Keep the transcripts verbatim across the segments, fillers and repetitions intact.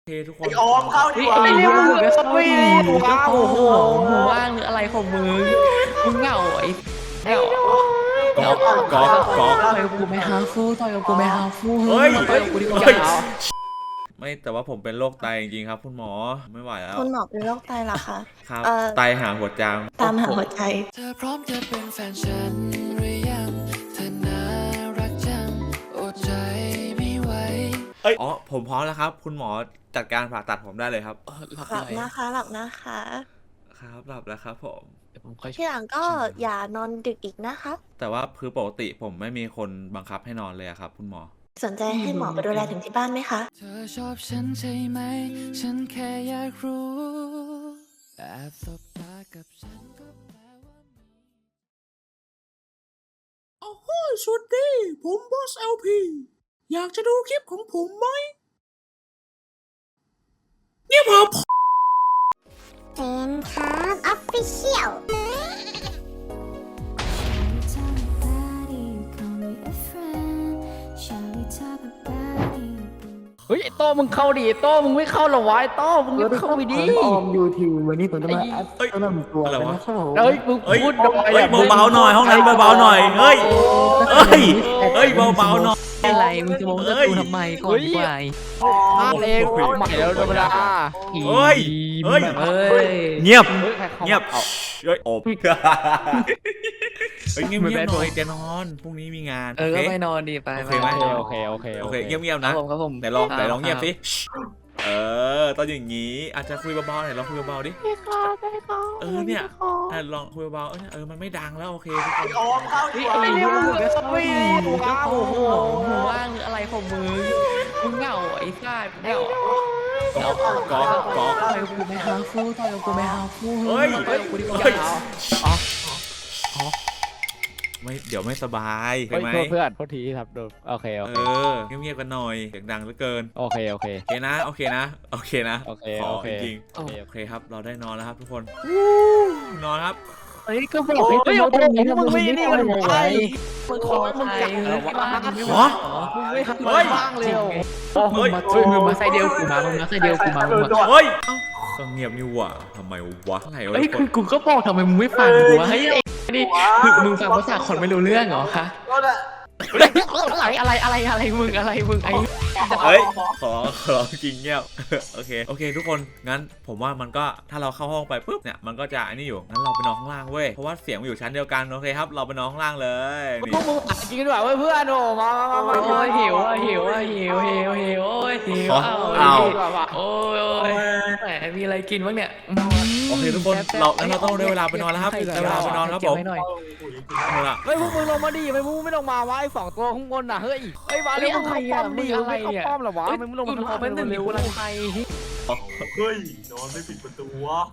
ทุกคนออมเข้าดีกว่าไอ้เรื่องมึงก็เข้าไม่ดีว้าวโอ้โหมึงว่างหรืออะไรของมึงมึงเหงาไอ้เหงาก๊อกก๊อกก๊อกต่อยกับกูไม่ฮาฟูต่อยกับกูไม่ฮาฟูเฮ้ยต่อยกับกูดีกว่าไม่แต่ว่าผมเป็นโรคไตจริงๆครับคุณหมอไม่ไหวแล้วคุณหมอเป็นโรคไตเหรอคะครับไตหาหัวจางตามหาหัวใจเธอพร้อมจะเป็นแฟนฉันหรือยังเธอน่ารักจังอดใจไม่ไหวเอ้ยอ๋อผมพร้อมแล้วครับคุณหมอจัดการผ่าตัดผมได้เลยครับหลับนะคะหลับนะคะครับหลับแล้วครับผมที่หลังก็อย่านอนดึกอีกนะคะแต่ว่าคือปกติผมไม่มีคนบังคับให้นอนเลยครับคุณหมอสนใจให้หมอไปดูแลถึงที่บ้านไหมคะเธอชอบฉันใช่ไหมฉันแค่อยากรู้แอบสบตากับฉันก็แปลว่าโอ้โหสวัสดีผมบอส แอล พี อยากจะดูคลิปของผมไหมเนี่ยผมเต็มครับออฟฟิเชียลเฮ้ยโต้มึงเข้าดิโต้มึงไม่เข้าหรอวะโต้มึงเข้าไปดิออมยูทีวันนี้ผมจะมาอัพต้นำตัวนะครับผมเฮ้ยมึงพูดเฮ้ยเบาๆหน่อยห้องนั้นเบาๆหน่อยเฮ้ยเฮ้ยเฮ้ยเบาๆหน่อยอะไรมึงจะมองจะดูทำไมก่อนดีกว่าภาพเองใหม่แล้วธรรมดาเฮ้ยเฮ้ยเงียบเงียบเฮ้ยอบเฮ้ยเงียบเงียบหน่อยจะนอนพรุ่งนี้มีงานเออไปนอนดีไปโอเคไหมโอเคโอเคโอเคเงียบเงียบนะไหนลองไหนลองเงียบสิเออตอนอย่างนี้อาจจะคุยเบาๆหน่อยลองคุยเบาๆดิเออเนี่ยลองคุยเบาๆเออมันไม่ดังแล้วโอเคทุกคนออมเข้าดีกว่าไอ้เรื่องมึงก็เข้าไม่ดีว้าวโอ้โหมึงว่างหรืออะไรของมึงมึงเหงาไอ้ซ่าเหงาก๊อกก๊อกก๊อกต่อยกับกูไม่ฮาฟูต่อยกับกูไม่ฮาฟูเฮ้ยต่อยกับกูดีกว่าอ๋ออ๋อไม่เดี๋ยวไม่สบายใช่ไหมเพื่อนโทษทีครับโอเคโอเคเออเงียบๆกันหน่อยเสียงดังเหลือเกินโอเคโอเคโอเคนะโอเคนะโอเคนะโอเคขอโอเคจริงโอเคครับเราได้นอนแล้วครับทุกคนนอนครับเฮ้ยก็บอกให้ตัวตรงนี้มึงไม่นี่มันไปมึงขอมึงจับเหรอวะหรอมึงไม่ทำอะไรบ้างเลยเฮ้ยมึงมาใส่เดียวกูมามึงมาใส่เดียวกูมามึงมาเฮ้ยก็เงียบนี่หว่าทำไมวะอะไรวะเฮ้ยคือกูก็บอกทำไมมึงไม่ฟังกูวะเฮ้ยนี่มึงฟังภาษาคนไม่รู้เรื่องเหรอคะอะไรอะไรอะไรอะไรมึงอะไรมึงไอ้เฮ้ยขอขอจริงเงียบโอเคโอเคทุกคนงั้นผมว่ามันก็ถ้าเราเข้าห้องไปปุ๊บเนี่ยมันก็จะอันนี้อยู่งั้นเราไปนอนข้างล่างเว้ยเพราะว่าเสียงมันอยู่ชั้นเดียวกันโอเคครับเราไปนอนข้างล่างเลยพวกมึงอ่ะจริงกันว่าเพื่อนโอ้มามามาโอ้ยหิวอ่ะหิวอ่ะหิวหิวหิวโอ้ยหิวเอาโอ้ยโอ้ยแหมมีอะไรกินบ้างเนี่ยโอเคทุกคนเราแล้วเราต้องได้เวลาไปนอนแล้วครับได้เวลาไปนอนครับผมเฮ้ยพวกมึงลงมาดิไม่มึงไม่ลงมาวะไอ้สองตัวข้างบนน่ะเฮ้ยไอ้บ้าเรื่องอะไรอ่ะมึงอะไรเนี่ยป้อมหรอวะมึงไม่ลงมาทำเป็นเร็วอะไรใครเฮ้ยนอนไม่ปิดประตูวะ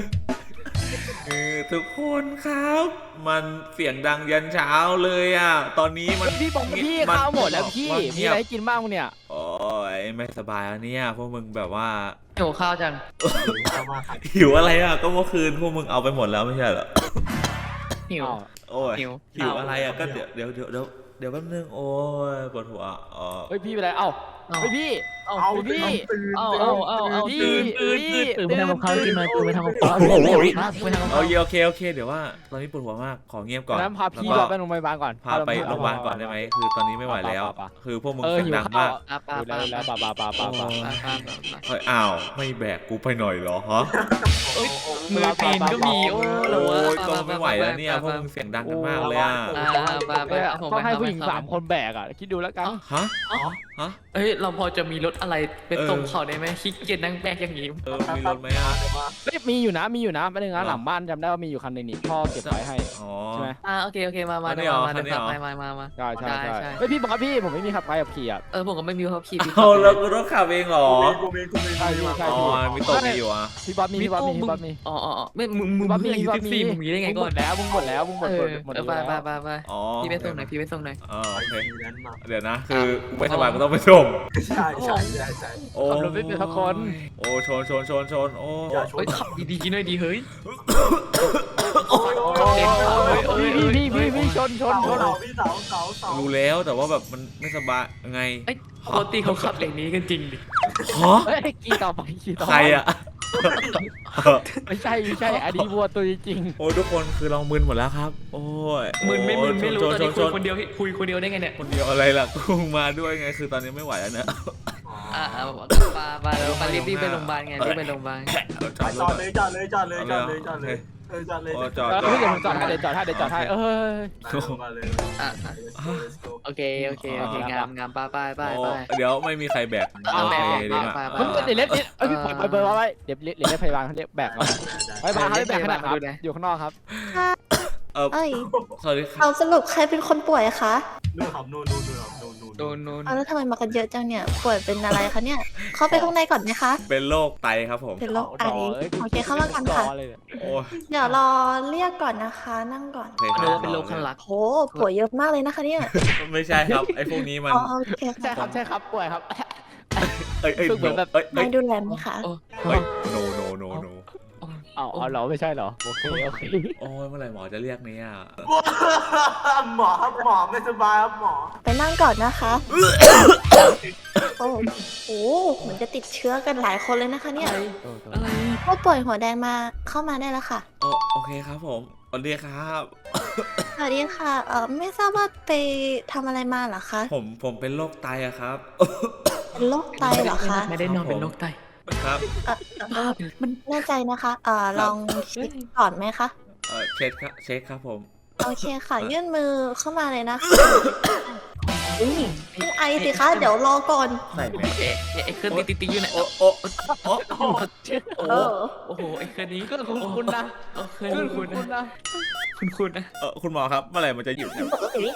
ทุกคนครับมันเสียงดังยันเช้าเลยอ่ะตอนนี้มันพี่บอกพี่ข้าวหมดแล้วพี่มีอะไรกินบ้างเนี่ยโอ้ยไม่สบายแล้วเนี่ยพวกมึงแบบว่าหิวข้าวจังหิวอะไรอ่ะก็เมื่อคืนพวกมึงเอาไปหมดแล้วไม่ใช่เหรอหิวโอ้ยหิวอะไรอ่ะก็เดี๋ยวเดี๋ยวเดี๋ยวเดี๋ยวเดี๋ยวแป๊บนึงโอ้ยปวดหัวอ๋อเฮ้ยพี่ไปไหนเอ้าเฮ้ยพี่เอาพี่เอาเอาเอาเอาพี่พี่ตื่นไปทำกับข้าวกินหน่อยตื่นไปทำกับข้าวโอเคโอเคโอเคเดี๋ยวว่าตอนนี้ปวดหัวมากขอเงียบก่อนแล้วพาพี่เราไปโรงพยาบาลก่อนพาไปโรงพยาบาลก่อนได้ไหมคือตอนนี้ไม่ไหวแล้วคือพวกมึงเสียงดังมากแล้วป้าป้าป้าป้าป้าเฮ้ยอ้าวไม่แบกกูไปหน่อยเหรอฮะมือตีนก็มีโอ้โหก็ไม่ไหวแล้วเนี่ยพวกมึงเสียงดังกันมากเลยอ่ะต้องให้ผู้หญิงสามคนแบกอ่ะคิดดูแล้วกันฮะฮะเฮ้ยเราพอจะมีรถอะไรเป็นตรงเขาได้ไหมขี้เกียจนั่งแบกอย่างนี้เออมีรถไหมอ่ะไม่มีอยู่นะมีอยู่นะไม่ได้งานหลังบ้านจำได้ว่ามีอยู่คันนึงนี่พ่อเก็บไว้ให้ใช่ไหมอ่าโอเคโอเคมามามามาเดี๋ยวขับไปมามามาใช่ใช่ใช่เฮ้ยพี่บอกครับพี่ผมไม่มีขับไปกับขี่อ่ะเออผมก็ไม่มีขับขี่เอาแล้วกูต้องขับเองเหรอใช่ใช่อ๋อมีตกมีอยู่อ่ะพี่บ๊อบมีพี่บ๊อบมีพี่บ๊อบมีอ๋ออ๋อไม่มึงมึงมีสิบสี่มึงมีได้ไงก่อนแล้วมึงหมดแล้วมึงหมดหมดไปไปไปไปพี่ไปส่งหน่อยพี่ไปส่งหน่อยอ๋อโอเคเดี๋ยวนะคือกูไม่สบายกูต้องไปส่งใช่ใช่ใช่ใช่โอ้ขับรถไม่เป็นทุกคนโอ้ชนชนชนชนโอ้ยขับดีๆหน่อยดีเฮ้ยพี่พี่พี่พี่ชนชนชนพี่เสาเสาเสารู้แล้วแต่ว่าแบบมันไม่สบายไงปกติเขาขับอย่างนี้กันจริงดิฮะเฮ้ยกี่ต่อไปกี่ต่อใครอะไม่ใช่ไม่ใช่อันนี้วัวตัวจริงโอ้ยทุกคนคือเรามึนหมดแล้วครับ โอ้ยมึนไม่มึนไม่รู้โจตอนนี้โจคุยโจคนเดียวคุยคนเดียวได้ไงเนี่ยคนเดียวอะไรล่ะกุ้งมาด้วยไงคือตอนนี้ไม่ไหวแล้วเนี่ยอ่าปาปาแล้วปารีบรีบไปโรงพยาบาลไงรีบไปโรงพยาบาลจอดจอดเลยจอดเลยจอดเลยจอดเลยจอดเลยเออจอดเลยโอ้จๆอดเออจอดเดี๋ยวผมจอดให้เดี๋ยวจอดให้เดี๋ยวจอดให้เออมาเลยอ่ะ let's go โอเคโอเคโอเคงามงามป้าป้ายป้ายป้ายเดี๋ยวไม่มีใครแบกเอาโอแบเคกดีแบกมากไปมึงเดี๋ยวเล็บเอ้ยพี่ปล่อยปล่อยเบอร์ไว้เดี๋ยวเดี๋ยวเรียกพยาบาลเขาเรียกแบกมาไปบ้านเขาเรียกแบกขนาดครับอยู่ข้างนอกครับเออเอ้ยสวัสดีครับเอาสรุปใครเป็นคนป่วยคะนู่นครับนู่นนู่นนู่นครับนู่นนู่นโดนโดนเอาแล้วทำไมมากันเยอะจังเนี่ย ป่วยเป็นอะไรคะเนี่ย เข้าไปข้างในก่อนไหมคะเป็นโรคไตครับผมเป็นโรคไตโอเคเข้ามากันค่ะโอ้ยเดี๋ยวรอเรียกก่อนนะคะ นั่งก่อนโอเคคเรีรัยกบว่าเป็นโรคข้างหลักโหป่วยเยอะมากเลยนะคะเนี่ยไม่ใช่ครับไอ้พวกนี้มันอ๋อโอเคใช่ครัค่ะบใช่ครับป่วยครับเอ้ยเอ้ยคือเหมือนแบบเอ้ยเอ้นาย ยดูแลไหมคะโอ้เอ้ย no no no no อ๋อเหรอไม่ใช่เหรอโอเคโอเคโอ้ยเมื่อไหร่หมอจะเรียกเนี่ยหมอครับหมอไม่สบายครับหมอไปนั่งก่อนนะคะ โอ้โหเหมือนจะติดเชื้อกันหลายคนเลยนะคะเนี่ยอะไรผู้ป่วยหัวแดงมาเข้ามาได้แล้วค่ะโอโอเคครับผมสวัสดีครับสวัสดีค่ะ เออไม่ทราบว่าไปทำอะไรมาเหรอคะผมผมเป็นโรคไตอะครับเป็นโรคไตเหรอคะไม่ได้นอนเป็นโรคไตครับเออเออมันแน่ใจนะคะ เออลองเช็คก่อนไหมคะเออเช็คครับเช็คครับผมโอเคค่ะ ยื่นมือเข้ามาเลยนะคะอุ้ยไม่ไอสิคะ เดี๋ยวรอก่อนใส่ไหมเอ๊ะไอ้เครื่องติ๊กติ๊กอยู่ไหนโอ้โอ้โอ้โอ้เออโอ้โหไอ้เครื่องนี้ก็คุณคุณนะเออเครื่องคุณคุณนะนะคุณคุณนะเออคุณหมอครับเมื่อไหร่มันจะหยุดครับ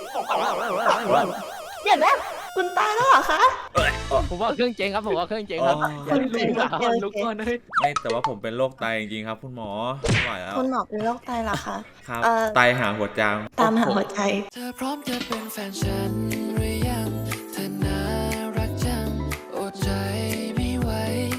เดี๋ยวนะคุณตายแล้วเหรอคะผมว่าเครื่องเจ๊งครับผมว่าเครื่องเจ๊งครับคุณเป็นลุกก่อนลุกก่อนเลยไม่แต่ว่าผมเป็นโรคไตจริงๆครับ คุณหมอไม่ไหวแล้วคุณหมอเป็นโรคไตเหรอคะครับเอ่อไตหาหัวจางตามหาหัวใจเธอพร้อมจะเป็นแฟนฉันหรือยังเธอน่ารักจังอดใจไม่ไหว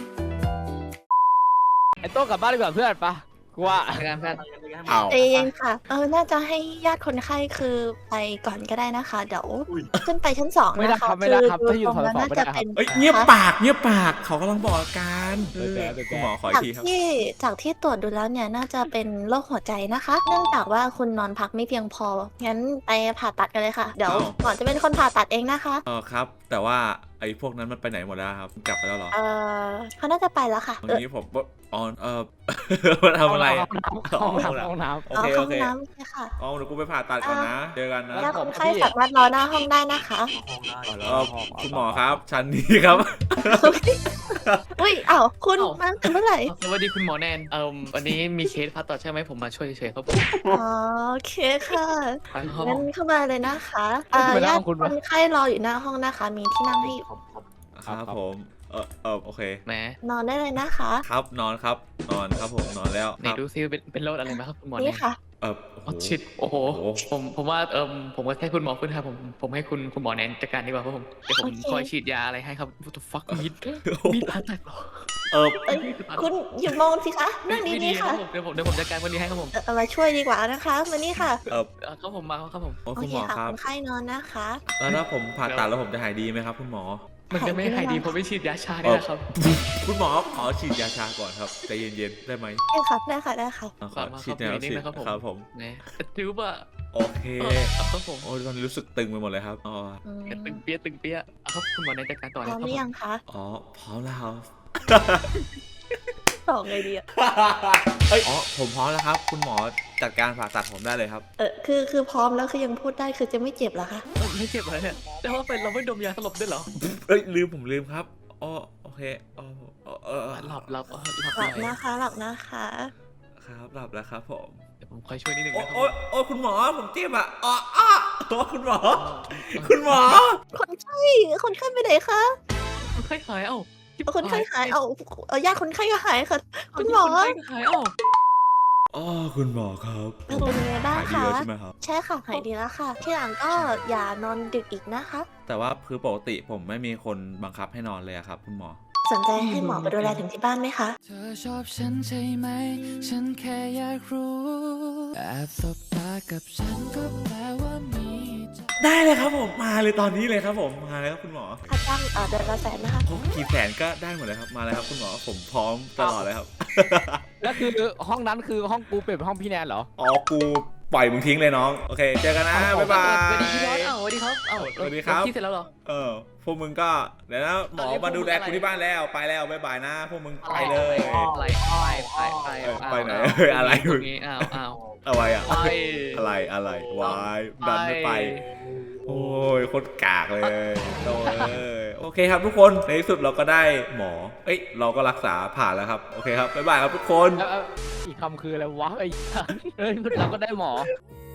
ไอ้โต้กลับบ้านดีกว่าเพื่อนปะกูว่าการแพทย์เอาใจเย็นค่ะ เออ น่าจะให้ญาติคนไข้คือไปก่อนก็ได้นะคะ เดี๋ยวขึ้นไปชั้นสองไม่ได้นะครัคะบไม่ได้ครับคือถ้าอยู่ตรงนั้นสองน่าไม่จะได้ครับเป็นเอ้ยเงียบปากเงียบปากเขากำลังบอกอาการเออแกเออแกคุณหมอขออีจากกทีครับที่จากที่ตรวจดูแล้วเนี่ยน่าจะเป็นโรคหัวใจนะคะ เนื่องจากว่าคุณนอนพักไม่เพียงพอ งั้นไปผ่าตัดกันเลยค่ะ เดี๋ยวหมอจะเป็นคนผ่าตัดเองนะคะเออครับ แต่ว่าไอ้พวกนั้นมันไปไหนหมดแล้วครับกลับไปแล้วเหรอเออเขาน่าจะไปแล้วค่ะตรเอองนี้ผมอ๋อเออ มาทำอะไรอะห้องน้ำห้องน้ำโอเอาเคเข้าโอห้อเคงน้ำเลยค่ะอ๋อเดี๋ยวกูไปผ่าตัดก่อนนะเจอกันนะญาติคนไข้สามารถรอหน้าห้องได้นะคะห้องได้เออคุณหมอครับชั้นนี้ครับอุ้ยอ้าวคุณมาถึงเมื่อไหร่สวัสดีคุณหมอแนนเอ่อวันนี้มีเคสผ่าตัดใช่ไหมผมมาช่วยเฉยๆครับผมอ๋อโอเคค่ะไปห้องงั้นเข้ามาเลยนะคะเอ่อญาติคนไข้รออยู่หน้าห้องนะคะ มีที่นั่งให้อยู่ครับครับครับผมเออเออโอเคแหมนอนได้เลยนะคะครับนอนครับนอนครับผมนอนแล้วไหนครับดูซิเป็นเป็นโรคอะไรไหมครับคุณหมอแนนี่นค่ะเออโอ้โอ้โหชิดโอ้โหโอ้โหผมผมว่าเอิมผมก็แค่คุณหมอขึ้นครับผมผมให้คุณคุณหมอแนนจัดการดีกว่าครับผมเดี๋ยวผมโอเคคอยฉีดยาอะไรให้ครับ what the fuck มีดมีดผ่าตัดเหรอเออเอ้ยคุณหยุดมองสิคะนั่งไม่ดีๆครัค่ะบผมเดี๋ยวผมเดี๋ยวผมจัดการวันนี้ให้ครับผมเอ่อเอามาช่วยดีกว่านะคะมานี่ค่ะเออเอ่อครับผมมาครับผมโอ้โอคุณเคหมอค่ะครับคนไข้นอนนะคะแล้วถ้าผมผ่าตัดแล้วผมจะหายดีไหมครับ คุณหมอมันจะไม่หายดีเพราะไม่ฉีดยาชาเนี่ยนะครับคุณหมอขอฉีดยาชาก่อนครับใจเย็นๆได้ไหมได้ค่ะได้ค่ะได้ค่ะเอาขอฉีดแนวฉีดครับผมแหมถือว่าโอเคเออเอาครับผมโอ้ยตอนนี้รู้สึกตึงไปหมดเลยครับอ๋ออืมตึงเปี้ยตึงเปี้ยเอาครับคุณหมอแนนจัดการต่อพเลยร้อคมรับหรือยังผมคะอ๋อพร้อมแล้วครับตอบไงดีอะเอ้ยอ๋อผมพร้อมแล้วครับ คุณหมอจัดการผ่าตัดผมได้เลยครับเออคือคือพร้อมแล้วคือยังพูดได้คือจะไม่เจ็บเหรอคะเออไม่เจ็บเลยเนี่ยแต่ว่าเป็นเราไม่ดมยาสลบด้วยเหรอเอ้ยลืมผมลืมครับอ๋อโอเคอ๋อเออเออเออหลับหลับเออหลับหลับหน่อยนะคะหลับนะคะครับหลับแล้วครับผมเดี๋ยวผมคอยช่วยนิดนึงโอ้นะครับโอ้ยโอ้ยคุณหมอผมเจ็บอ่ะอ๋ออ๋อโอ้คุณหมอ คุณหมอคนไข้คนไข้ไปไหนคะคนไข้หายเอ้าคนไข้หายเอาเอาญาติคนไข้ก็หายค่ะ คุณหมอคนไข้หายเอ้าอ๋อคุณหมอครับเออเป็นยังไงบ้างหายดีคะแล้วใช่ไหมครับใช่ค่ะหายดีแล้วค่ะ ที่หลังก็อย่านอนดึกอีกนะคะแต่ว่าคือปกติผมไม่มีคนบังคับให้นอนเลยอะครับ คุณหมอสนใจให้หมอมาดูแลถึงที่บ้านไหมคะเธอชอบฉันใช่ไหม ฉันแค่อยากรู้แอบสบตากับฉันก็แปลว่ามีใจได้เลยครับผมมาเลยตอนนี้เลยครับผมมาเลยครับคุณหมอค่าจ้างเอ่อเดือนละแสนนะคะโอ้กี่แสนก็ได้หมดเลยครับมาเลยครับคุณหมอผมพร้อมตลอดเลยครับแล้วคือห้องนั้นคือห้องกูเปลี่ยนเป็นห้องพี่แนนเหรออ๋อกูปล่อยมึงทิ้งเลยน้องโอเคเจอกันนะบ๊ายบายสวัสดีพี่บอสอ้าวสวัสดีครับอ้าวสวัสดีครับคิดเสร็จแล้วเหรอเออพวกมึงก็เดี๋ยวนะหมอมาดูแลกูที่บ้านแล้วไปแล้วบ๊ายบายนะพวกมึงไปเลยไปไปไปไปเออไปไหนอ้าวเฮ้ยอะไรตรงนี้อ้าวอ้าวอะไรอะไปอะไรอะไรวายดันไม่ไป โอ้ยโคตรกากเลยโตเลยโอเคครับทุกคนในที่สุดเราก็ได้หมอเอ้ยเราก็รักษาผ่านแล้วครับโอเคครับบ๊ายบายครับทุกคนแล้วอีกคำคืออะไรวะไอ้เอ้ยเราก็ได้หมอ